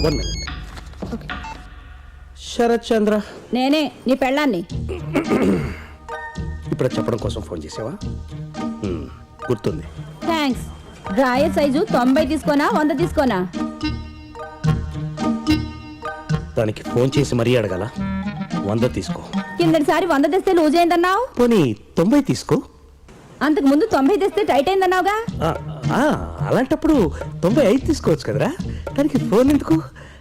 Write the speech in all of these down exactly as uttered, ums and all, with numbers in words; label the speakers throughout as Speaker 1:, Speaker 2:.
Speaker 1: One minute. Sarath చంద్ర,
Speaker 2: నేనే నీ పెళ్ళాన్ని.
Speaker 1: ఇప్పుడు చెప్పడం కోసం ఫోన్ చేసావా? హ్మ్, గుర్తుంది.
Speaker 2: థ్యాంక్స్. డ్రాయర్ సైజు తొంభై తీసుకోనా వంద తీసుకోనా?
Speaker 1: దానికి ఫోన్ చేసి మరీ అడగాల? వంద తీసుకో.
Speaker 2: కిందటిసారి వంద తెస్తే లూజ్ అయిందన్నావు.
Speaker 1: పోనీ తొంభై తీసుకో.
Speaker 2: అంతకు ముందు తొంభై తెస్తే టైట్ అయిందన్నావుగా.
Speaker 1: ఆ, ఆ, అలాంటప్పుడు తొంభై ఐదు తీసుకోవచ్చు కదరా. దానికి ఫోన్ ఎందుకు?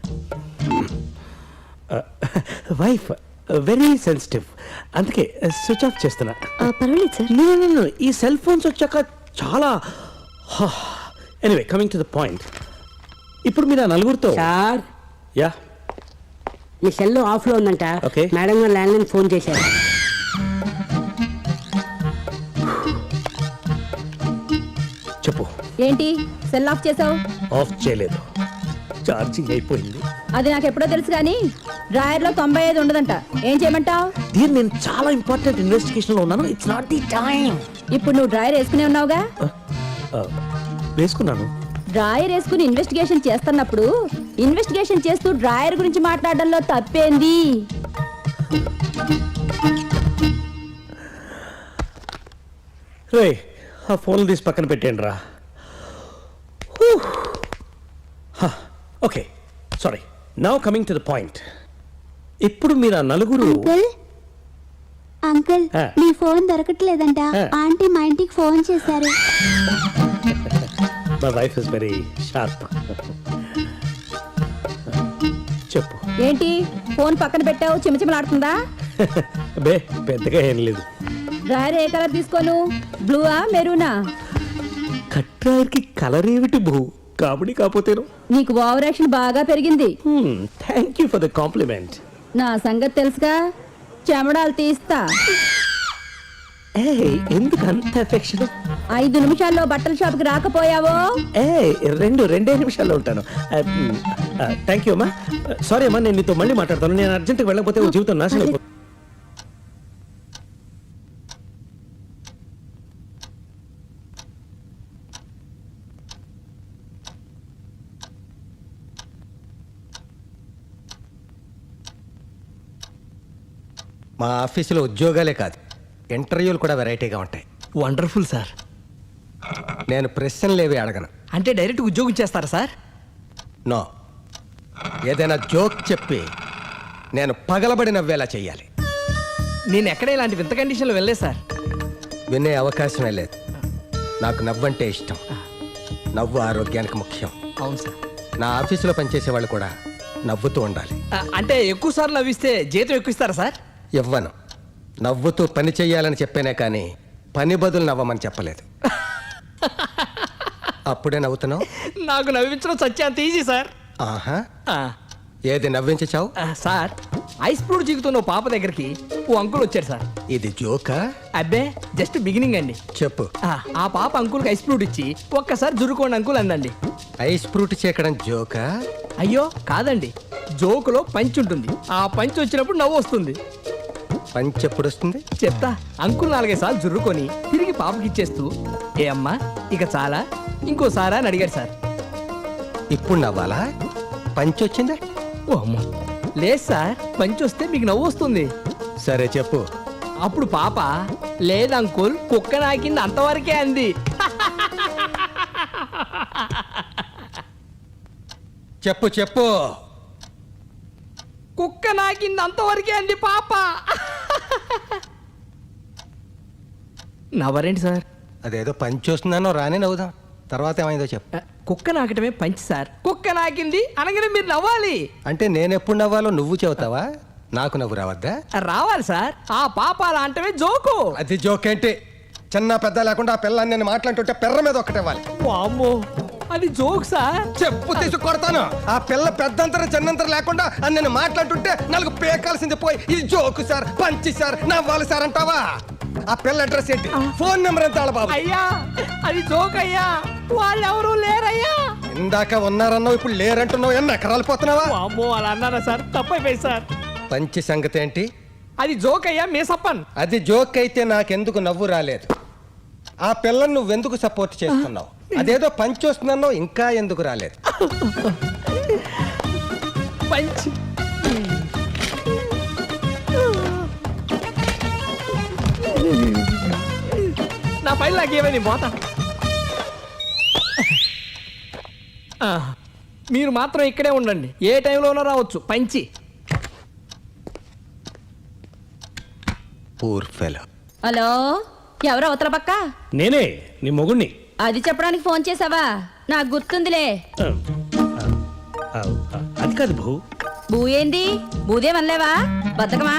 Speaker 1: వైఫ్ వెరీ సెన్సిటివ్, అందుకే స్విచ్ ఆఫ్ చేస్తున్నా.
Speaker 2: పర్వాలేదు సార్.
Speaker 1: No, no, no. ఈ సెల్ ఫోన్స్ వచ్చాక చాలా. Anyway, coming to the point. ఇప్పుడు మీరు ఆ నలుగురితో.
Speaker 3: సార్,
Speaker 1: యా,
Speaker 3: మీ సెల్ ఆఫ్ లో ఉందంట.
Speaker 1: Okay.
Speaker 3: మేడం గారు ల్యాండ్ లైన్ ఫోన్ చేశారు.
Speaker 1: చెప్పు.
Speaker 2: ఏంటి సెల్ ఆఫ్ చేసావు?
Speaker 1: ఆఫ్ చేయలేదు, ఛార్జింగ్ అయిపోయింది.
Speaker 2: అది నాకు ఎప్పుడో తెలుసు కానీ డ్రాయర్ లో తొంభై ఐదు ఉండదంట. ఏం చేయమంటావు?
Speaker 1: దీన్ని నేను చాలా ఇంపార్టెంట్ ఇన్వెస్టిగేషన్ లో ఉన్నాను. It's not the time.
Speaker 2: ఇప్పుడు నువ్వు డ్రాయర్ వేసుకునే ఉన్నావుగా.
Speaker 1: వేసుకున్నాను.
Speaker 2: డ్రాయర్ వేసుకుని ఇన్వెస్టిగేషన్ చేస్తున్నప్పుడు ఇన్వెస్టిగేషన్ చేస్తూ డ్రాయర్ గురించి మాట్లాడడంలో తప్పేంది?
Speaker 1: రే, ఆ ఫోన్ తీసి పక్కన పెట్టేయండి రా. Okay, sorry. Now coming to the point. ఇప్పుడు మీరు ఆ నలుగురు.
Speaker 4: అంకుల్ అంకుల్
Speaker 1: ఆ.
Speaker 4: మీ ఫోన్ దొరకట్లేదంట.
Speaker 1: ఆ.
Speaker 4: ఆంటీ మా ఇంటికి ఫోన్ చేశారు.
Speaker 1: My wife is very sharp. చెప్పు.
Speaker 2: ఏంటి ఫోన్ పక్కన పెట్టావు? చిమచిమలాడుతుందా?
Speaker 1: బే, పెద్దగా ఏం లేదు.
Speaker 2: డ్రాయర్ ఏ కలర్ తీసుకోను? బ్లూవా మెరూనా?
Speaker 1: కట్రాయర్కి కలర్ ఏమిటి బహు? కాబడి కాకపోతేను.
Speaker 2: నీకు ఓవర్ యాక్షన్ బాగా పెరిగింది.
Speaker 1: Thank you for the compliment.
Speaker 2: నా సంగతి తెలుసుగా, చెమడాలు తీస్తా.
Speaker 1: ఏ, ఎందుకు అంత ఎఫెక్షన్?
Speaker 2: ఐదు నిమిషాల్లో బట్టల షాప్కి రాకపోయావో
Speaker 1: ఏ, రెండు రెండే నిమిషాల్లో ఉంటాను. థ్యాంక్ యూ అమ్మా. సారీ అమ్మా, నేను నీతో మళ్ళీ మాట్లాడతాను. నేను అర్జెంట్గా వెళ్ళకపోతే ఓ జీవితం నాశనం అయిపోతుంది.
Speaker 5: మా ఆఫీసులో ఉద్యోగాలే కాదు, ఇంటర్వ్యూలు కూడా వెరైటీగా ఉంటాయి.
Speaker 6: Wonderful sir.
Speaker 5: నేను ప్రశ్నలేవి అడగను.
Speaker 6: అంటే డైరెక్ట్ ఉద్యోగం చేస్తారా సార్?
Speaker 5: నో, ఏదైనా జోక్ చెప్పి నేను పగలబడి నవ్వేలా చెయ్యాలి.
Speaker 6: నేను ఎక్కడ ఇలాంటి వింత కండిషన్లో వెళ్ళలేదు సార్.
Speaker 5: వినే అవకాశమే లేదు. నాకు నవ్వంటే ఇష్టం. నవ్వు ఆరోగ్యానికి ముఖ్యం.
Speaker 6: అవును సార్.
Speaker 5: నా ఆఫీసులో పనిచేసే వాళ్ళు కూడా నవ్వుతూ ఉండాలి.
Speaker 6: ఆ, అంటే ఎక్కువ సార్లు నవ్విస్తే జీతం ఎక్కువ ఇస్తారా సార్?
Speaker 5: ఇవ్వను. నవ్వుతూ పని చెయ్యాలని చెప్పానే కానీ పని బదులు నవ్వమని చెప్పలేదు. అప్పుడే నవ్వుతున్నావు?
Speaker 6: నాకు నవ్వించడం సత్యాంత ఈజీ సార్.
Speaker 5: ఆహా,
Speaker 6: ఆ,
Speaker 5: ఏది నవ్వించావు?
Speaker 6: ఆ, సార్, ఐస్ ఫ్రూట్ జీకుతున్న ఓ పాప దగ్గరికి ఓ అంకుల్ వచ్చారు సార్.
Speaker 5: ఇది జోకా?
Speaker 6: అబ్బే, జస్ట్ బిగినింగ్ అండి.
Speaker 5: చెప్పు.
Speaker 6: ఆ, ఆ పాప అంకుల్కి ఐస్ ఫ్రూట్ ఇచ్చి ఒక్కసారి జురుకోండి అంకుల్ అందండి.
Speaker 5: ఐస్ ఫ్రూట్ చేకడం జోకా?
Speaker 6: అయ్యో కాదండి, జోకులో పంచ్ ఉంటుంది. ఆ పంచ్ వచ్చినప్పుడు నవ్వు వస్తుంది.
Speaker 5: పంచి ఎప్పుడు వస్తుంది?
Speaker 6: చెప్తా. అంకుల్ నాలుగైదు సార్లు జుర్రుకొని తిరిగి పాపకి ఇచ్చేస్తూ, ఏ అమ్మా ఇక చాలా, ఇంకోసారా అని అడిగాడు సార్.
Speaker 5: ఇప్పుడు నవ్వాలా? పంచి వచ్చిందా?
Speaker 6: ఓ అమ్మా, లేదు సార్, పంచ్ వస్తే మీకు నవ్వు వస్తుంది.
Speaker 5: సరే చెప్పు.
Speaker 6: అప్పుడు పాప, లేదు అంకుల్, కుక్క నాకింది అంతవరకే అంది.
Speaker 5: చెప్పు చెప్పు.
Speaker 6: కుక్క నాకింది అంతవరకే అంది పాప. నవ్వరేంటి సార్?
Speaker 5: అదేదో పంచి వస్తుందనో రానే నవ్వుదాం. తర్వాత ఏమైందో చెప్పు.
Speaker 6: కుక్క నాకటమే పంచి సార్. కుక్క నాకింది అనగానే మీరు నవ్వాలి.
Speaker 5: అంటే నేను ఎప్పుడు నవ్వాలో నువ్వు చెబుతావా? నాకు నవ్వు రావద్దా?
Speaker 6: రావాలి సార్. ఆ పాప అలా అంటమే జోకు.
Speaker 5: అది జోక్ ఏంటి? చిన్న పెద్ద లేకుండా ఆ పిల్లని నేను మాట్లాడుతుంటే పెర్ర మీద ఒక్కటివ్వాలి.
Speaker 6: వామ్మో, అది జోక్ సార్.
Speaker 5: చెప్పు తీసి కొడతాను. ఆ పిల్ల పెద్దంతరం చిన్నంతరం లేకుండా అని నేను మాట్లాడుతుంటే నాలుగు పేకాల్సింది పోయి ఇది జోకు సార్, పంచి సార్, నవ్వాలి సార్ అంటావా? ఆ పిల్ల అడ్రస్ ఏంటి? ఫోన్ నెంబర్ ఎంత బాబు?
Speaker 6: అయ్యా, అది జోక్ అయ్యా, వాళ్ళు ఎవరు లేరయ్యా.
Speaker 5: ఇందాక ఉన్నారన్నావు, ఇప్పుడు లేరంటున్నావు. ఎన్న ఎకరాలు పోతున్నావా?
Speaker 6: వామ్మో, అలా అన్నారా సార్? తప్పైపోయింది సార్.
Speaker 5: పంచి సంగతి ఏంటి?
Speaker 6: అది జోక్ అయ్యా, మేసప్పన్.
Speaker 5: అది జోక్ అయితే నాకెందుకు నవ్వు రాలేదు? ఆ పిల్లని నువ్వెందుకు సపోర్ట్ చేస్తున్నావు? అదేదో పంచి వస్తున్నావు, ఇంకా ఎందుకు రాలేదు?
Speaker 6: పంచ్. నా పైన నాకేమైంది పోతా. ఆ, మీరు మాత్రం ఇక్కడే ఉండండి, ఏ టైంలోనో రావచ్చు. పంచి.
Speaker 5: Poor fellow.
Speaker 2: హలో, ఎవరు అవతల పక్క?
Speaker 1: నేనే నీ మొగుణ్ణి.
Speaker 2: అది చెప్పడానికి ఫోన్ చేసావా? నాకు గుర్తుందిలే.
Speaker 1: ఆ, ఆ, ఆ, అది కాదు భూ.
Speaker 2: బూ ఏంది? బూదేమనలేవా? బతకమా?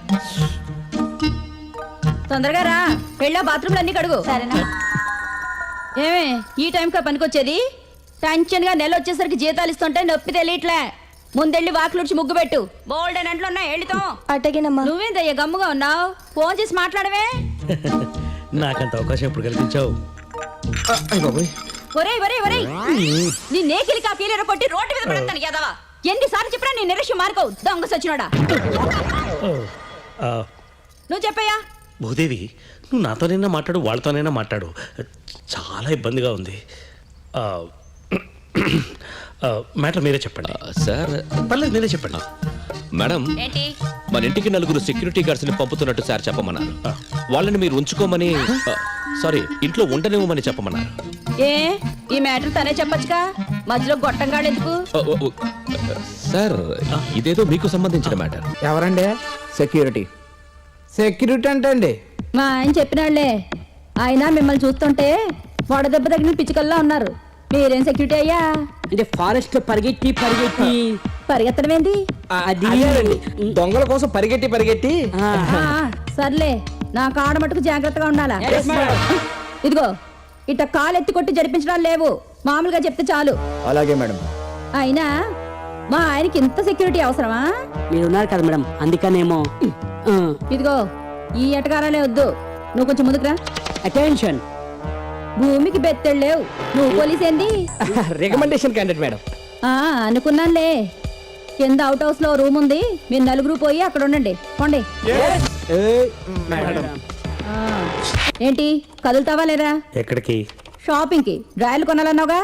Speaker 2: తొందరగా రా, వెళ్ళా బాత్రూమ్లు అన్ని కడుగు. సరేనా? ఏమే ఈ టైంకా పనికొచ్చేది? టెన్షన్ గా నెల వచ్చేసరికి జీతాలు ఇస్తుంటే నొప్పి తెలియట్లే. ముందెళ్ళి వాకిలుడ్చి ముగ్గు పెట్టు. బోల్డ్ అని అంట్లో ఉన్నాయి, వెళ్తాం.
Speaker 4: అటగినమ్మా.
Speaker 2: నువ్వేందయ్యా గమ్ముగా ఉన్నావు? ఫోన్ చేసి మాట్లాడవే.
Speaker 1: నాకంత అవకాశం ఎప్పుడు కల్పించావు?
Speaker 2: ఒరేయ్ ఒరేయ్ ఒరేయ్, నీ నేకిలి కాఫీలు కొట్టి రోడ్డు మీద పడతాను యాదవా. ఎన్నిసార్లు చెప్పినా నీ నిరక్ష్యం మార్కవు, దొంగ సచ్చినోడా.
Speaker 1: ఓ, ఆ,
Speaker 2: నువ్వు చెప్పయ్యా.
Speaker 1: భూదేవి, నువ్వు నాతోనైనా మాట్లాడు, వాళ్ళతోనైనా మాట్లాడు. చాలా ఇబ్బందిగా ఉంది. ఆ, ఆ, మ్యాటర్ మీరే చెప్పండి.
Speaker 7: సార్
Speaker 1: పర్లేదు, మీరే చెప్పండి.
Speaker 7: మేడం,
Speaker 2: ఏంటి?
Speaker 7: మన ఇంటికి నలుగురు సెక్యూరిటీ గార్డ్స్ ని పంపుతున్నట్టు సార్ చెప్పమన్నారు. వాళ్ళని మీరు ఉంచుకోమని, సారీ, ఇంట్లో ఉండనివ్వమని చెప్పమన్నారు.
Speaker 2: ఏ ఈ మ్యాటర్ తనే చెప్పొచ్చుగా, మధ్యలో గొట్టంగాడు ఎందుకు?
Speaker 7: ఓ, ఓ, ఓ, సార్ ఇదేదో మీకు సంబంధించిన మ్యాటర్.
Speaker 6: ఎవరండి? సెక్యూరిటీ. సెక్యూరిటీ అంటే అండి
Speaker 2: మా ఆయన చెప్పినాళ్లే. ఆయన మిమ్మల్ని చూస్తుంటే వడదెబ్బ తగిన పిచ్చుకల్లా ఉన్నారు. మీరేం సెక్యూరిటీ అయ్యా?
Speaker 3: అంటే ఫారెస్ట్ లో పరిగెట్టి పరిగెట్టి
Speaker 2: పరిగెత్తడం ఏంది?
Speaker 3: అది
Speaker 6: అదేనండి, దొంగల కోసం పరిగెట్టి పరిగెట్టి.
Speaker 3: ఆ,
Speaker 2: ఆ, సర్లే, నా కాడ మటుకు జాగ్రత్తగా ఉండాలా. ఇదిగో ఇట్ట కాలు ఎత్తి కొట్టి జరిపించడాలు లేవు, మామూలుగా చెప్తే చాలు.
Speaker 6: అలాగే మేడం.
Speaker 2: అయినా మా ఆయనకి ఇంత సెక్యూరిటీ అవసరమా?
Speaker 3: మీరు ఉన్నారు కదా మేడం, అందుకనేమో.
Speaker 2: ఇదిగో ఈ ఎటకారాలే వద్దు, నువ్వు కొంచెం ముందుకురా.
Speaker 3: అటెన్షన్.
Speaker 2: భూమికి బెత్తెళ్ళు లేవు, నువ్వు పోలీస్ ఏంది?
Speaker 6: Recommendation candidate madam.
Speaker 2: ఆ, అనుకున్నానులే. కింద అవుట్ హౌస్ లో రూమ్ ఉంది, మీరు నలుగురు పోయి అక్కడ ఉండండి. పోండి. ఆ, ఏంటి కదులుతావా లేదా?
Speaker 1: ఎక్కడికి?
Speaker 2: షాపింగ్ కి డ్రాయలు కొనాలన్నావుగా.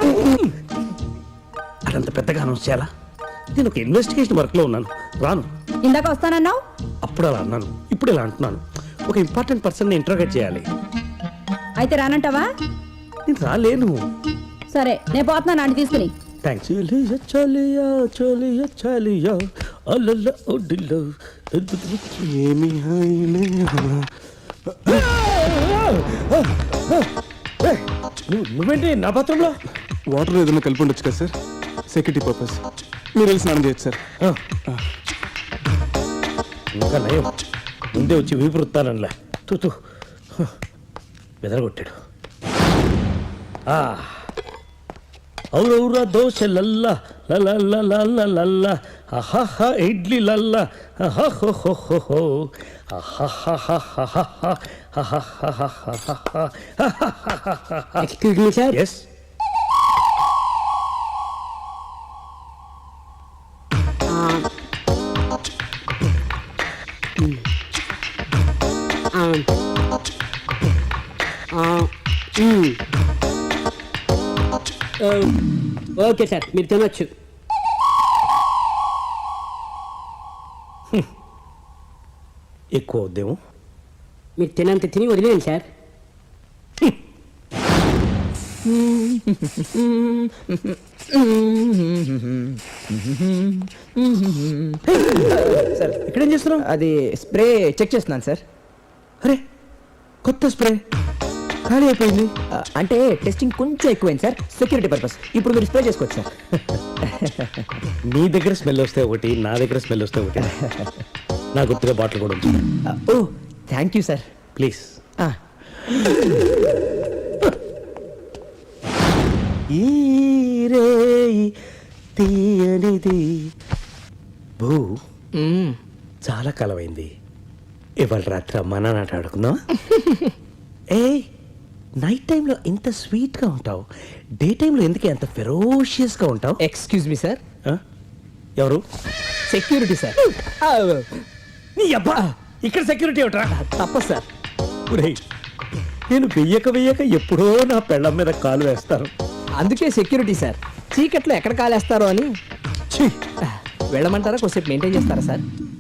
Speaker 1: అదంత పెద్దగా అనౌన్స్ చేయాలా? నేను ఒక ఇన్వెస్టిగేషన్ వర్క్ లో ఉన్నాను, రాను.
Speaker 2: ఇందాక వస్తానన్నావు.
Speaker 1: అప్పుడు అలా అన్నాను, ఇప్పుడు ఇలా అంటున్నాను. ఒక ఇంపార్టెంట్ పర్సన్ ఇంట్రోగేట్ చేయాలి.
Speaker 2: అయితే రానంటావా?
Speaker 1: నేను రాలేను.
Speaker 2: సరే, నేను పోతున్నాను నాన్న తీసుకుని.
Speaker 1: థ్యాంక్స్. చలియా చలియా చలియా అల్లల్ల ఒడిలో ఏమి హాయిలే. నువ్వు- నువ్వేంటి నా పాత్రంలో?
Speaker 8: వాటర్ ఏదైనా కలిపి ఉండొచ్చు కదా సార్, సెక్యూరిటీ పర్పస్. మీరు వెళ్ళి స్నానం చేయొచ్చు సార్.
Speaker 1: ఆ. ఇంకా నయం, ముందే వచ్చి వీపు రుత్తానలా. తూ తూ బెదరగొట్టాడు. ఔరౌరా దోశ లల్ల లల్ల అహహ ఇడ్లీ లల్ల అహహో
Speaker 3: excuse me sir.
Speaker 1: Yes.
Speaker 3: Okay sir, మీరు తినొచ్చు.
Speaker 1: ఎక్కువ వద్దేమో.
Speaker 3: మీరు తినంత తిని వదిలేయండి సార్.
Speaker 6: సార్
Speaker 1: ఇక్కడేం చేస్తున్నావు?
Speaker 6: అది స్ప్రే చెక్ చేస్తున్నాను సార్.
Speaker 1: అరే, కొత్త స్ప్రే ఖాళీ అయిపోయింది.
Speaker 6: ఆ, అంటే టెస్టింగ్ కొంచెం ఎక్కువైంది సార్, సెక్యూరిటీ పర్పస్. ఇప్పుడు మీరు స్ప్రే చేసుకోవచ్చు సార్.
Speaker 1: నీ దగ్గర స్మెల్ వస్తే ఒకటి, నా దగ్గర స్మెల్ వస్తే ఒకటి. నా గుర్తుగా బాటిల్ కూడా ఉంది.
Speaker 6: ఆ, ఓ థ్యాంక్ యూ సార్.
Speaker 1: ప్లీజ్.
Speaker 6: ఆ,
Speaker 1: ఈ రేయి తీయనిది. భూ,
Speaker 6: మ్మ్.
Speaker 1: చాలా కాలమైంది. ఇవాళ రాత్రి అమ్మా నాన్న ఆట ఆడుకుందాం. ఏ నైట్ టైంలో ఇంత స్వీట్గా ఉంటావు, డే టైంలో ఎందుకే అంత ఫెరోషియస్గా ఉంటావు?
Speaker 6: Excuse me sir.
Speaker 1: ఆ? ఎవరు?
Speaker 6: Security sir. ఆ,
Speaker 1: నీ అబ్బా, ఇక్కడ సెక్యూరిటీ ఏమిట్రా?
Speaker 6: తప్పదు సార్.
Speaker 1: ఒరేయ్, నేను వెయ్యక వెయ్యక ఎప్పుడో నా పెళ్ళం మీద కాలు వేస్తాను.
Speaker 6: అందుకే సెక్యూరిటీ సార్, చీకట్లో ఎక్కడ కాలేస్తారో అని.
Speaker 1: ఛీ,
Speaker 6: వెళ్ళమంటారా కొద్దిసేపు మెయింటైన్ చేస్తారా సార్